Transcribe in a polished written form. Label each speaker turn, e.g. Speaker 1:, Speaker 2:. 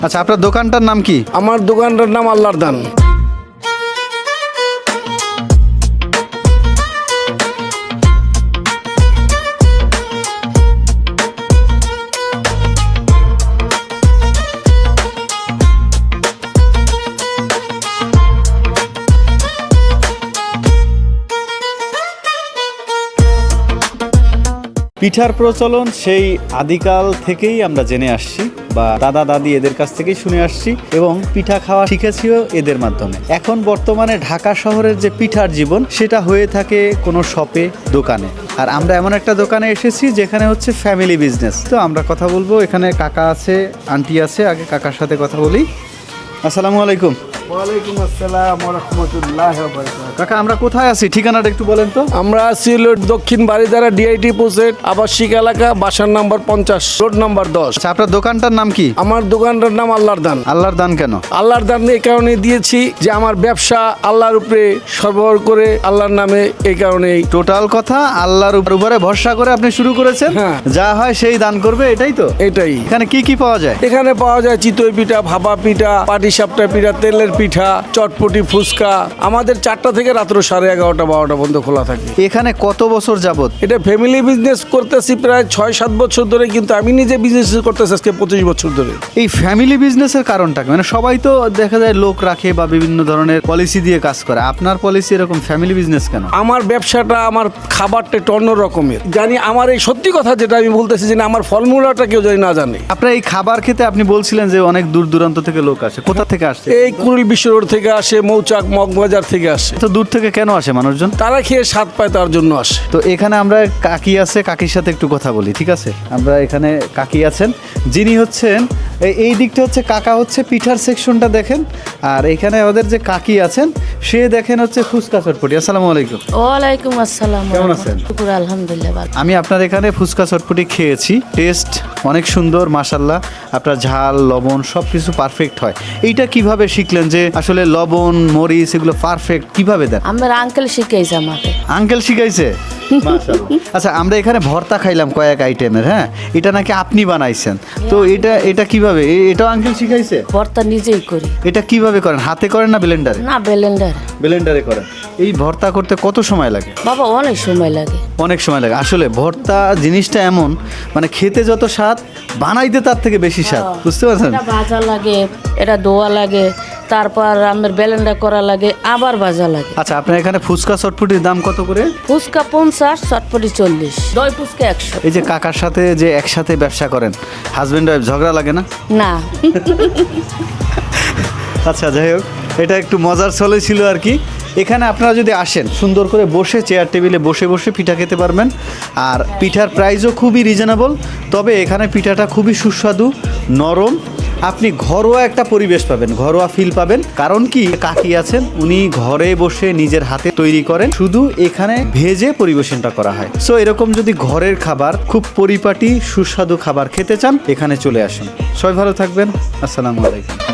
Speaker 1: আচ্ছা, আপনার দোকানটার নাম কি?
Speaker 2: আমার দোকানটার নাম আল্লাহর দান।
Speaker 1: পিঠার প্রচলন সেই আদিকাল থেকেই আমরা জেনে আসছি, বা দাদা দাদি এদের কাছ থেকেই শুনে আসছি, এবং পিঠা খাওয়া শিখেছিও এদের মাধ্যমে। এখন বর্তমানে ঢাকা শহরের যে পিঠার জীবন, সেটা হয়ে থাকে কোনো শপে, দোকানে। আর আমরা এমন একটা দোকানে এসেছি যেখানে হচ্ছে ফ্যামিলি বিজনেস। তো আমরা কথা বলবো, এখানে কাকা আছে, আন্টি আছে। আগে কাকার সাথে কথা বলি। আসসালামু আলাইকুম।
Speaker 2: ওয়ালাইকুম আসসালাম ওয়া রাহমাতুল্লাহি ওয়া বারাকাতুহু।
Speaker 1: কাকা, আমরা কোথায় আছি? ঠিকানাটা একটু বলেন তো।
Speaker 2: আমরা আছি দক্ষিণ বাড়িধারা ডিআইটি পোস্টের আবাসিক এলাকা, বাসার নাম্বার 50, রোড নাম্বার 10।
Speaker 1: আচ্ছা, আপনার দোকানটার নাম কি?
Speaker 2: আমার দোকানটার নাম আল্লাহর দান।
Speaker 1: আল্লাহর দান কেন?
Speaker 2: আল্লাহর দান এই কারণে দিয়েছি যে আমার ব্যবসা আল্লাহর উপরে সরবরাহ করে, আল্লাহর নামে, এই কারণেই।
Speaker 1: টোটাল কথা, আল্লাহর উপরে ভরসা করে আপনি শুরু করেছেন।
Speaker 2: হ্যাঁ।
Speaker 1: যা হয় সেই দান করবে, এটাই তো।
Speaker 2: এটাই।
Speaker 1: এখানে কি কি পাওয়া যায়?
Speaker 2: এখানে পাওয়া যায় চিতই পিঠা, ভাপা পিঠা, পাটিসাপটা পিঠা, তেলের পিঠা, চটপটি, ফুচকা। আমাদের 4টা থেকে রাত্র 11:30, 12টা পর্যন্ত খোলা থাকে।
Speaker 1: এখানে কত বছর যাবত?
Speaker 2: এটা ফ্যামিলি বিজনেস করতেছি প্রায় 6-7 বছর ধরে, কিন্তু আমি নিজে বিজনেস করতেছি আজকে 25 বছর ধরে।
Speaker 1: এই ফ্যামিলি বিজনেসের কারণটা কি? মানে সবাই তো দেখা যায় লোক রাখে বা বিভিন্ন ধরনের পলিসি দিয়ে কাজ করে, আপনার পলিসি এরকম ফ্যামিলি বিজনেস কেন?
Speaker 2: আমার ব্যবসাটা, আমার খাবারটা একটু অন্য রকমের। জানি আমার এই সত্যি কথা যেটা আমি বলতেছি, যে না, আমার ফর্মুলাটা কেউ জানি না জানে।
Speaker 1: আপনার এই খাবার খেতে আপনি বলছিলেন যে অনেক দূর দূরান্ত থেকে লোক আসে, কোথা থেকে আসছে?
Speaker 2: এই কুড়িল বিশ্ব রোড থেকে আসে, মৌচাক, মগবাজার থেকে আসে।
Speaker 1: তো দূর থেকে কেন আসে মানুষজন?
Speaker 2: তারা খেয়ে স্বাদ পায়, তার জন্য আসে।
Speaker 1: তো এখানে আমরা কাকি আছে, কাকির সাথে একটু কথা বলি, ঠিক আছে? আমরা এখানে কাকি আছেন, যিনি হচ্ছেন এই দিকটা হচ্ছে কাকা, হচ্ছে পিঠার সেকশনটা দেখেন। আর এখানে আমাদের যে কাকি আছেন, সে দেখেন হচ্ছে ফুচকা চটপটি। আসসালামু আলাইকুম।
Speaker 3: ওয়ালাইকুম আসসালাম।
Speaker 1: কেমন আছেন?
Speaker 3: শুকুর, আলহামদুলিল্লাহ ভালো।
Speaker 1: আমি আপনার এখানে ফুচকা চটপটি খেয়েছি, টেস্ট অনেক সুন্দর, মাশাল্লাহ। আপনার ঝাল, লবণ সব কিছু পারফেক্ট হয়। এইটা কিভাবে শিখলেন যে আসলে লবণ, মরিচ এগুলো পারফেক্ট কিভাবে দেন?
Speaker 3: আমার আঙ্কেল শিখাইছে আমাকে।
Speaker 1: আঙ্কেল শিখাইছে? মাশাআল্লাহ। আচ্ছা, আমরা এখানে ভর্তা খাইলাম কয়েক আইটেমের, হ্যাঁ, এটা নাকি আপনি বানাইছেন। তো এটা কিভাবে? এটাও আঙ্কেল শিখাইছে?
Speaker 3: ভর্তা নিজেই করি।
Speaker 1: এটা কিভাবে করেন? হাতে করেন না ব্লেন্ডারে?
Speaker 3: না, ব্লেন্ডার।
Speaker 1: ব্লেন্ডারে করেন। এই ভর্তা করতে কত সময় লাগে?
Speaker 3: বাবা, অনেক সময় লাগে।
Speaker 1: অনেক সময় লাগে। আসলে ভর্তা জিনিসটা এমন, মানে খেতে যত স্বাদ, বানাইতে তার থেকে বেশি স্বাদ, বুঝতে পারছেন?
Speaker 3: এটা ভাজা লাগে, এটা ধোয়া লাগে, তারপর আমার ব্লেন্ডার করা লাগে, আবার ভাজা লাগে।
Speaker 1: আচ্ছা, আপনার এখানে ফুচকা চটপটির দাম কত করে?
Speaker 3: ফুচকা 50, চটপটি 40, দই ফুচকা 100।
Speaker 1: এই যে কাকার সাথে যে একসাথে ব্যবসা করেন, হাজবেন্ড ওয়াইফ ঝগড়া লাগে না?
Speaker 3: না।
Speaker 1: আচ্ছা, যাই হোক, এটা একটু মজার ছলে ছিল আর কি। এখানে আপনারা যদি আসেন, সুন্দর করে বসে চেয়ার টেবিলে বসে বসে পিঠা খেতে পারবেন। আর পিঠার প্রাইসও খুবই রিজনেবল। তবে এখানে পিঠাটা খুবই সুস্বাদু, নরম। আপনি ঘরোয়া একটা পরিবেশ পাবেন, ঘরোয়া ফিল পাবেন। কারণ কি, কাকি আছেন, উনি ঘরে বসে নিজের হাতে তৈরি করেন, শুধু এখানে ভেজে পরিবেশনটা করা হয়। সো এরকম যদি ঘরের খাবার, খুব পরিপাটি সুস্বাদু খাবার খেতে চান, এখানে চলে আসুন। সবাই ভালো থাকবেন। আসসালামু আলাইকুম।